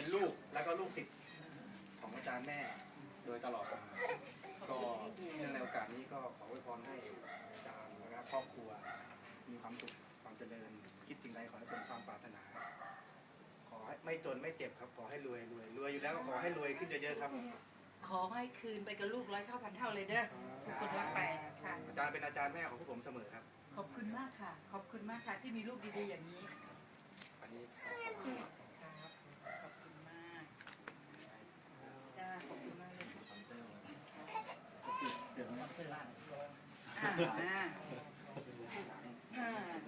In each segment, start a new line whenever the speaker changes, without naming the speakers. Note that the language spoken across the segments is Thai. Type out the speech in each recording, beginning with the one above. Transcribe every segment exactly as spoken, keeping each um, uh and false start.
เป็นลูกแล้วก็ลูกศิษย์ของอาจารย์แม่โดยตลอดมาก็เนื่องในโอกาสนี้ก็ขออวยพรให้อาจารย์และครอบครัวมีความสุขความเจริญคิดสิ่งใดขอให้สมความปรารถนา ขอให้ไม่จนไม่เจ็บครับขอให้รวยรวยรวยอยู่แล้วก็ขอให้รวยขึ้นเยอะๆครับ
ขอให้คืนไปกับลูกร้อยเท่าพันเท่าเลยเด้อทุกคนรักไปค่ะ
อาจารย์เป็นอาจารย์แม่ของพวกผมเสมอครับ
ขอบคุณมากค่ะ ขอบคุณมากค่ะที่มีลูกดีๆอย่างนี้
อันนี้
ครับขอบคุณมากจ้าขอบคุณมากเลยเดี๋ยวมาซื้อร้านอ่าอ่าอ่า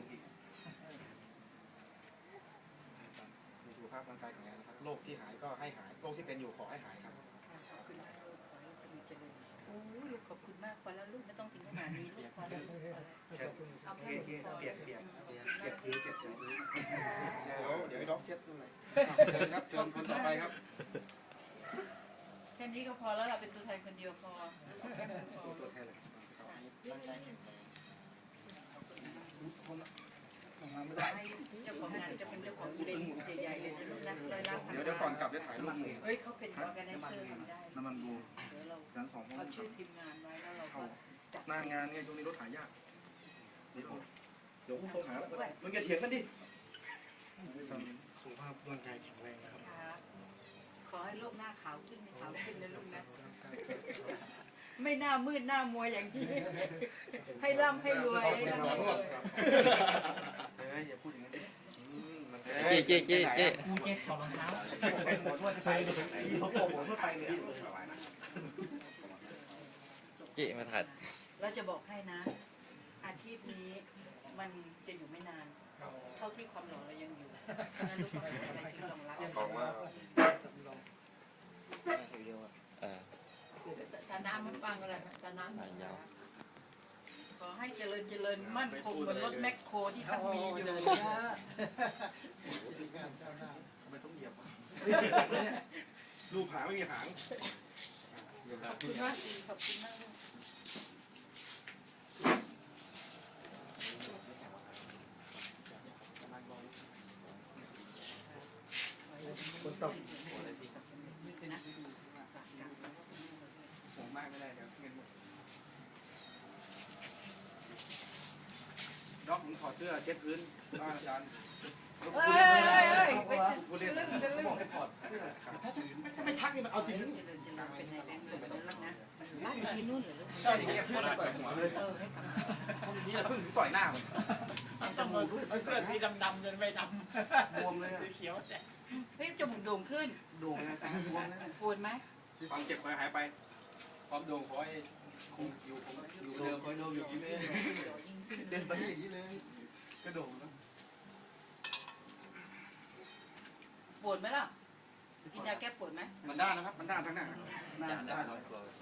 มีสุขภาพร่างกายแข็งแรงนะครับโรคที่หายก็ให้หายโรคที่เป็นอยู่ขอให้หายครับ
ขอบคุณมากลูกขอให้ลูกมีเจริญโอ้ยลูกขอบคุณมากพอแล้วลูกไม่ต้องถึงขนาดนี้ลูกพอแล้วเอาแค่
เปียก
นี้พอ
เปียกเปียกเปียกเปียกพื้นเจ็บพื้นเดี๋ยวเดี๋ยวให้ด็อกเช็ดตรงไหนเชิญครับเชิญคนต่อไปครับ
แค่นี้ก็พอแล้วเราเป็นตัวแทนคนเดียวพอแค่นั้นพอ
ตัวแทนเลย
ให้เจ้าของงานจะเป็นเจ้าของอีเวนต์ใหญ่ๆเลยจะลูกนะร้อยล้านพัน
เดี๋ยวเดี๋ยวก่อนกลับจะถ่ายรูปหนึ่ง
เฮ้ยเขาเป็นออร์แกไนเซอร์ทำได้
น้ำมันบู
เดี๋ยวเรา
แสนสอง
เอาชื่อทีมงานไว้แล้วเราก็จัด
หน้างานเนี่ยช่วงนี้รถหายากเดี๋ยวเดี๋ยวต้องหาแล้วมึงอย่าเถียงกันดิสุขภาพร่างกายแข็งแรงนะครับ
ครับขอให้โลกหน้าขาวขึ้นขาวขึ้นนะลูกนะไม่หน้ามืดหน้ามัวอย่างนี้ให้ร่ำให้รวยให้ร่ำให้รวย
เฮ้ยอย่าพูดอย่างนั้นดิ
เจ๊เจ๊เจ๊เจ๊
กูเจ๊ถอดรองเท้า
ไปเลยเขาโกงผมไปเลย
เจ๊มาถัด
เราจะบอกให้นะ อาชีพนี้มันจะอยู่ไม่นาน เท่าที่ความหล่อเรายังอยู่เพราะฉะนั้นลูกต้องหาอะไรที่รองรับ
บอกว่า
เออ
ตาน้ำมันฟังอะไรตาน้
อ่านยาว
ำขอให้เจริญเจริญมั่นคงเหมือนรถแมคโครที่ท่านมีอยู่
ทำไมต้องเหยียบลูกหางไม่มีหาง
ขอบคุณมากขอบคุณมาก
คนตก
นะ
ผมมากไม่ได้เดี๋ยวเงินหมดด็อกผมถอดเสื้อเช็ดพื้นบ้านอาจารย์
เฮ้ยเฮ้ยเฮ้ย
พูดเล่นบอกให้ถอดเสื้อ
ถ้าไม่ทักนี่มันเอาจริง
เจริญเจริญเป็นในแบงค์เลยแล้วนะรักที่นู่นเหรอลูก
ใช่อย่างเงี้ยพูดต่อยหัวเลย
เออให้กำลัง
พูดอย่างนี้แล้วพึ่งต่อยหน้าผม
จมูกเอาเสื้อสีดำๆจนไม่ด
บวมเลย
ำสีเขียวแต่
เฮ้ยจมูกโด่งขึ้น
โด่งเลยตาบวมเลย
ปวดไหม
ความเจ็บคอยหายไปความโด่งคอยคงอยู่คงอยู่เดิมคอยโด่งอยู่ที่นี่เดินไปอย่างนี้เลยกระโดดนะ
ปวดไหมล่ะกินยาแก้ปวดไหม
มันด้านนะครับมันด้านทั้งหน้าหน้าด้าน
เจริญ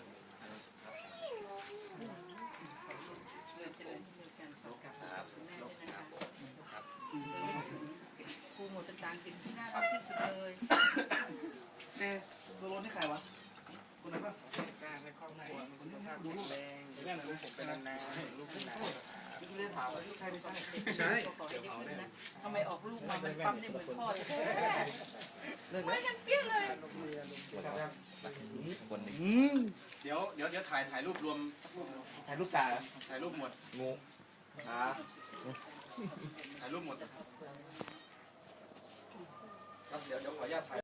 เจริญเจริญกันขอบคุณแม่ด้วยนะคะครูหมดภาษาอังกฤษที่น่ารักที่สุดเลย
เอ๊ะตัวรถนี่ใครวะคนไหนบ้าง
จ้างในครอบครัวมีสุขภาพ
ดู
แข็
ลู
ง
ก
แรง
เดี๋ยวแม่หน่อยลูกผมเป็นนานๆลูกเป็นนานไม่ได้ถามว่าใช่ไม่ใช่
ใช่ขอให้ได้ขึ้นนะทำไมออกลูกมามันปั๊มได้เหมือนพ่อเลยไม่กันเปี้ยเลย
คนหนึ่ง
เดี๋ยวเดี๋ยวเดี๋ยวถ่ายถ่ายรูปรวม
ถ่ายรูปจ่า
ถ่ายรูปหมด
งู
อ่าถ่ายรูปหมดครับเดี๋ยวเดี๋ยวขออนุญาตถ่าย